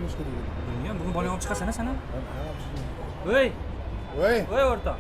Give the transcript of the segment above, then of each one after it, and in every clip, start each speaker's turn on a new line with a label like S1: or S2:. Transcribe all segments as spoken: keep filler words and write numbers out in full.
S1: o'ylash kerak edi.
S2: Bilmayman, bugun bolang olib chiqasan sana.
S1: Voy,
S2: Voy,
S1: voy.
S2: voy o'rtoq.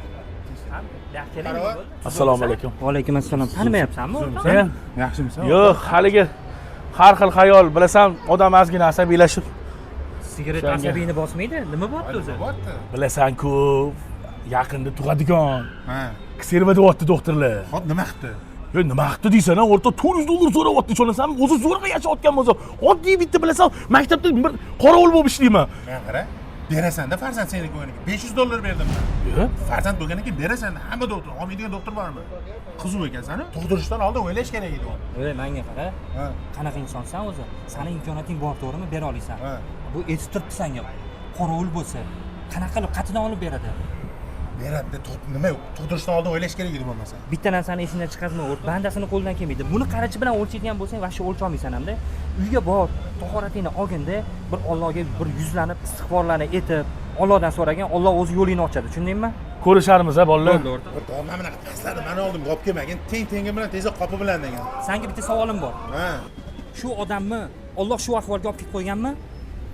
S3: Assalomu alaykum.
S2: Va alaykum assalom. Tanimayapsanmi o'rtoq?
S3: Sen?
S1: Yaxshimisan?
S3: Yo'q, haligi har xil xayol, bilasan, odam ozgina asabiylashib.
S2: Sigaret asabiyni bosmaydi. Nima bo'pti o'zi?
S1: Bo'pti.
S3: Bilasan-ku, yaqinda tug'adigan.
S1: Ha.
S3: Kserva deyapti doktorlar.
S1: Hop, nima qildi?
S3: Yo, nima qildi deysan, o'rta to'rt yuz dollar so'rayapti, ishonasanmi? O'zi zo'rg'a yashayotgan bo'lsa, oddiy bitta bilasan, maktabda bir qorovul bo'lib ishlayman.
S1: Men qara. Berasan-da farzand seniki bo'lganiga. besh yuz dollar berdim men.
S3: Yo,
S1: Farzand bo'lgandan keyin berasan. Hamma doktor, olmaydigan doktor bormi? Qizuv ekansan-a? Tug'dirishdan oldin o'ylash kerak edi uni.
S2: Ey, menga qara.
S1: Ha.
S2: Qanaqa insonsan o'zi? Sani imkoniyating bor, to'g'rimi? Bera olasan.
S1: Ha.
S2: Bu etib turibdi senga. Qorovul bo'lsa, qanaqa qilib qatidan olib beradi?
S1: Beradi, nima? Tug'dirishdan oldin o'ylash kerak edi bo'lmasa.
S2: Bitta narsani esingdan chiqazma, o'rt. Bandasini qo'ldan kelmaydi. Buni qarachi bilan o'lchaydigan bo'lsang, vaqti o'lcha olmaysan hamda. Uyga bor, tahoratingni olganda, bir Allohga bir yuzlanib, istig'forlanib etib, Allohdan so'ragan, Alloh o'zi yo'lingni ochadi. Tushundingmi?
S3: ko'risharmiz a bolalar.
S2: Bo'ldi o'rtoq.
S1: O'rtoq, mana bunaqa paslarni meni oldim, g'op kelmagin. Teng-tengi bilan tezda qopi bilan degan.
S2: Senga bitta savolim bor.
S1: Ha.
S2: Shu odamni Alloh shu ahvolga olib kelib qo'yganmi?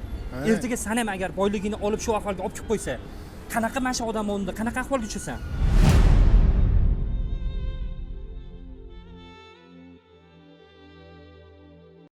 S2: Ertaga sen ham agar boyligini olib shu ahvolga olib kelib qo'ysa, qanaqa mana shu odam o'rnida qanaqa ahvolga tushasan?